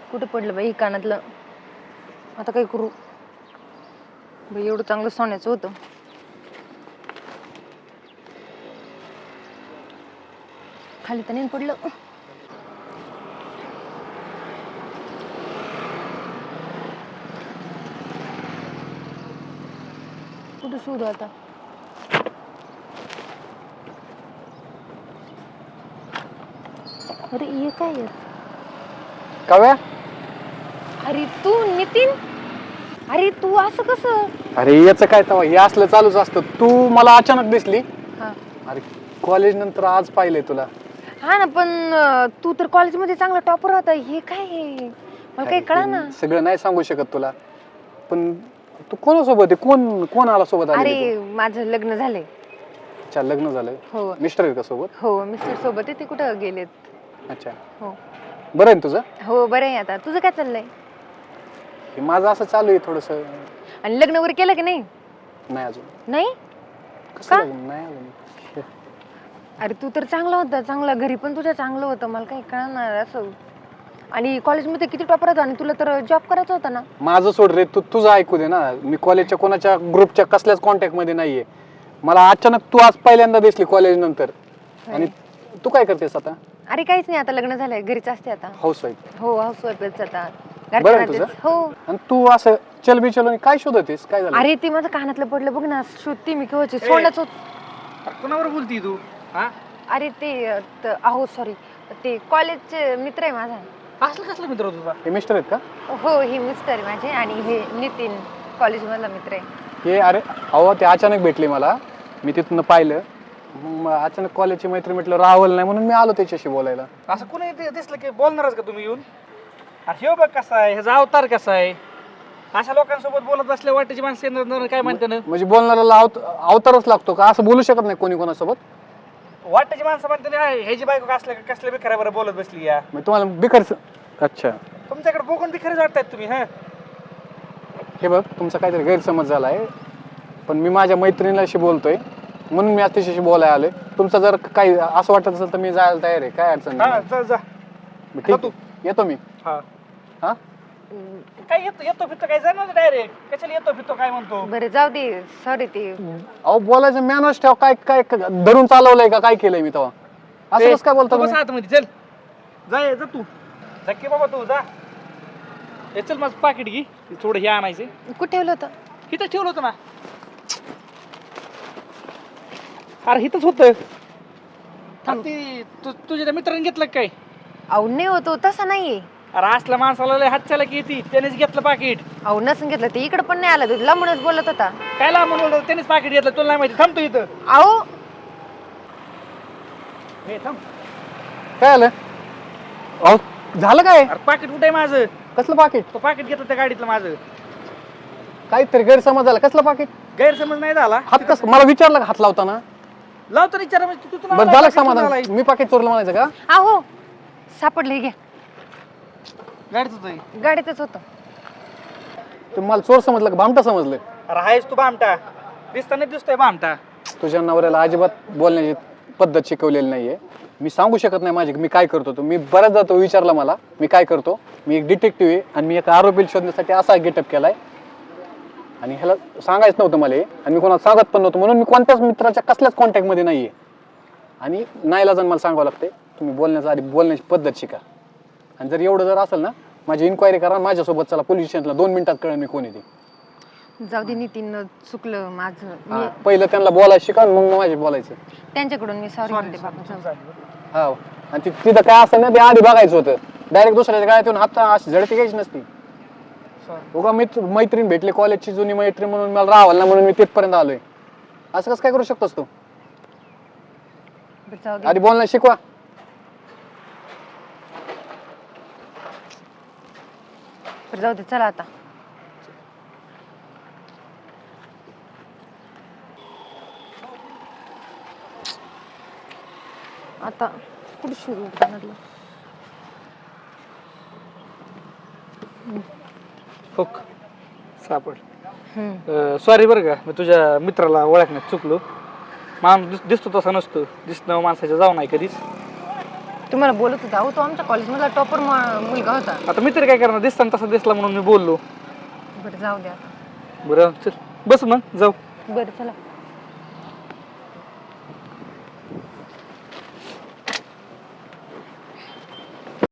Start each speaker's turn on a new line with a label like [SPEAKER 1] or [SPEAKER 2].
[SPEAKER 1] कुठे पडलं बाई कानातलं. आता काय करू बाई, एवढं चांगलं सोन्याचं होतं. खाली तर नाही पडलं. कुठं शोधू आता. अरे ये काय आहे?
[SPEAKER 2] काव्या,
[SPEAKER 1] अरे तू नितीन, अरे तू असं कसं?
[SPEAKER 2] अरे याचं काय तवा, हे असलं चालूच असतं. तू मला अचानक दिसली.
[SPEAKER 1] हा
[SPEAKER 2] अरे कॉलेज नंतर आज पाहिलंय तुला.
[SPEAKER 1] हा ना, पण तू तर कॉलेजमध्ये चांगला टॉपर होता. हे काय आहे? मला काही कळा ना.
[SPEAKER 2] सगळं नाही सांगू शकत तुला, पण तू कोणासोबत आहे? कोण कोण आला सोबत?
[SPEAKER 1] अरे माझं लग्न झालंय.
[SPEAKER 2] अच्छा, लग्न झालंय.
[SPEAKER 1] हो
[SPEAKER 2] मिस्टर आहेत का सोबत?
[SPEAKER 1] हो, मिस्टर सोबत आहे. ते कुठं गेलेत.
[SPEAKER 2] अच्छा,
[SPEAKER 1] हो
[SPEAKER 2] बरं आहे ना तुझं?
[SPEAKER 1] हो बरं आहे. आता तुझं काय चाललंय?
[SPEAKER 2] हे माझं असं चालू आहे थोडस.
[SPEAKER 1] आणि लग्न वगैरे केलं की नाही?
[SPEAKER 2] नाही अजून.
[SPEAKER 1] नाही
[SPEAKER 2] कसं
[SPEAKER 1] का?
[SPEAKER 2] लग्न? नाही अजून.
[SPEAKER 1] अरे तू तर चांगला होता, चांगला घरी पण तुझ्या चांगलं होतं. मला काही कळणार असं. आणि कॉलेजमध्ये किती टॉपर होता आणि तुला तर जॉब करायचा होता ना.
[SPEAKER 2] माझं सोड रे, तू तुझं ऐकू दे ना. मी कॉलेजच्या कोणाच्या ग्रुपच्या कसल्याच कॉन्टॅक्ट मध्ये नाहीये. मला अचानक तू आज पहिल्यांदा दिसली कॉलेज नंतर. आणि तू काय करतेस आता?
[SPEAKER 1] अरे काहीच नाही, आता लग्न झालंय, घरीच असते आता.
[SPEAKER 2] Housewife.
[SPEAKER 1] हो हाऊस वाईफच आता.
[SPEAKER 2] बरं आहे तुझं?
[SPEAKER 1] हो.
[SPEAKER 2] आणि तू असं चलबिचल काय शोधतेस? काय झालं?
[SPEAKER 1] अरे ते माझं कानातलं पडलं बघ ना, शोधते मी केव्हाची. सोन्याच होत.
[SPEAKER 3] कोणावर बोलती तू? हा
[SPEAKER 1] अरे ते अहो सॉरी, ते कॉलेजचे मित्र आहे माझा.
[SPEAKER 3] असलं कसलं मित्र तुझा?
[SPEAKER 2] हे मिस्टर आहेत का?
[SPEAKER 1] हो, हे मिस्टर आहे माझे आणि हे नितीन कॉलेज मधला मित्र आहे.
[SPEAKER 2] हे अरे अहो, ते अचानक भेटले मला. मी तिथून पाहिलं, मग अचानक कॉलेजची मैत्री म्हटलं राहुल नाही म्हणून मी आलो त्याच्याशी बोलायला.
[SPEAKER 3] असं कोणी दिसलं की बोलणारच का तुम्ही येऊन? हे बघ कसा आहे, ह्याचा अवतार कसा आहे. अशा लोकांसोबत बोलत बसल्या वाटेची माणसं येणार काय म्हणते ना.
[SPEAKER 2] म्हणजे बोलणाऱ्याला अवतारच लागतो का? असं बोलू शकत नाही कोणी कोणासोबत?
[SPEAKER 3] वाटेची माणसं म्हणते ना, ह्याची बायको कसल्या बिखऱ्या बरं बोलत बसली या.
[SPEAKER 2] मग तुम्हाला बिकर. अच्छा,
[SPEAKER 3] तुमच्याकडे बघून बिखरेच वाटतायत तुम्ही. हा
[SPEAKER 2] हे बघ, तुमचा काहीतरी गैरसमज झाला आहे. पण मी माझ्या मैत्रिणीशी बोलतोय म्हणून मी आज तिच्याशी बोलायला आलोय. तुमचं जर काही असं वाटत असेल तर मी जायला तयार आहे. काय अडचण
[SPEAKER 3] हा
[SPEAKER 2] नाही.
[SPEAKER 3] जा जा.
[SPEAKER 2] ठीक आहे, येतो मी.
[SPEAKER 3] हा
[SPEAKER 2] हा,
[SPEAKER 3] काय येतो फिरतो काय जाणार डायरेक्ट? कशाला येतो फिरतो काय म्हणतो?
[SPEAKER 1] बरं जाऊ दे, सॉरी. ते
[SPEAKER 2] अहो बोलायचं मॅनर्स ठेव. काय काय धरून चालवलंय का? काय केलंय मी तेव्हा? असं कसं काय बोलतो
[SPEAKER 3] तू बस
[SPEAKER 2] तुम्ही?
[SPEAKER 3] आतमध्ये चल. जा तू. झक्के बाबा तू जा. हे चल माझं पाकिट घे, थोडं हे आणायचे.
[SPEAKER 1] कुठे ठेवलं होतं?
[SPEAKER 3] इथं ठेवलं होतं ना. अरे इथंच होतं. तुझ्या त्या मित्राने घेतलं का काय?
[SPEAKER 1] अहो नाही होतो, तसा नाहीये.
[SPEAKER 3] अरे असल्या माणसाला लय हात चाला की येते. त्यानेच घेतलं पाकिट.
[SPEAKER 1] अहो नसून घेतलं, ते इकडे पण नाही आला. तू लांबूनच बोलत होता.
[SPEAKER 3] काय ला म्हणून त्यानेच पाकिट घेतलं, तुला नाही माहिती. थांबतो इथं.
[SPEAKER 1] अहो
[SPEAKER 3] हे थांब.
[SPEAKER 2] काय आलं? अहो झालं काय?
[SPEAKER 3] अरे पाकिट कुठे आहे माझं?
[SPEAKER 2] कसलं पाकिट?
[SPEAKER 3] तो पाकिट घेतलं त्या गाडीतलं माझं.
[SPEAKER 2] काहीतरी गैरसमज झाला. कसलं पाकिट?
[SPEAKER 3] गैरसमज नाही झाला.
[SPEAKER 2] हात कस मला विचारलं का हात लावताना?
[SPEAKER 3] लावतो विचार तू
[SPEAKER 2] बरं झालं समाधान. मी पाकिट चोरलं म्हणायचं का?
[SPEAKER 1] अहो सापडले, घ्या.
[SPEAKER 3] गाडीतच आहे.
[SPEAKER 1] गाडीतच होतं.
[SPEAKER 2] तुम्ही मला चोर समजलं का भामटा समजलं?
[SPEAKER 3] अरे आहेस तू बामटा. दिसताना दिसतोय बामटा.
[SPEAKER 2] तुझ्या नवऱ्याला अजिबात बोलण्याची पद्धत शिकवलेली नाहीये. मी सांगू शकत नाही माझी मी काय करतो. तो मी बऱ्याचदा तो विचारला मला मी काय करतो. मी एक डिटेक्टिव्ह आहे आणि मी एका आरोपीला शोधण्यासाठी असा गेटअप केलाय. आणि ह्याला सांगायचं नव्हतं मला, आणि मी कोणाला सांगत पण नव्हतं. म्हणून मी कोणत्याच मित्राच्या कसल्याच कॉन्टॅक्टमध्ये नाहीये. आणि नाईलाजान मला सांगावं लागते, तुम्ही बोलण्याच्या आधी बोलण्याची पद्धत शिका. आणि जर एवढं जर असेल ना, माझी इन्क्वायरी करा. माझ्यासोबत चला पोलीस स्टेशनला. 2 मिनिटात कळेल मी कोण आहे ते.
[SPEAKER 1] जाऊ दे नितीन, चुकलं माझं.
[SPEAKER 2] पहिलं त्यांना बोलायला शिका, मग माझे बोलायचं.
[SPEAKER 1] त्यांच्याकडून मी सॉरी म्हणते बाबा.
[SPEAKER 2] हा, आणि तिथं काय असं ना, ते आधी बघायचं होतं. डायरेक्ट दुसऱ्याच्या गाड्यात येऊन आता अशी झडती घ्यायची नसती. उगा मैत्रीण भेटली, कॉलेजची जुनी मैत्रीण म्हणून मला राहावं ना, म्हणून मी तिथपर्यंत आलोय. असं कसं काय करू शकतोस तू?
[SPEAKER 1] जाऊ दे.
[SPEAKER 2] आधी बोलणं शिकवा.
[SPEAKER 1] जाऊ दे, चला आता. आता कुठे सुरू कानातलं?
[SPEAKER 3] हुक सापड. सॉरी बरं का, मी तुझ्या मित्राला ओळखण्यात चुकलो. माणूस दिसतो तसा नसतो. दिसणं माणसाच्या जाऊ नाही कधीच.
[SPEAKER 1] तुम्हाला बोलत होता अहो तो आमच्या कॉलेजमधला टॉपर मुलगा होता.
[SPEAKER 3] आता मी तरी काय करणार, दिसताना तसा दिसला म्हणून मी बोललो.
[SPEAKER 1] बरं जाऊ द्या आता.
[SPEAKER 3] बरं चल बस मग जाऊ.
[SPEAKER 1] बरं चला.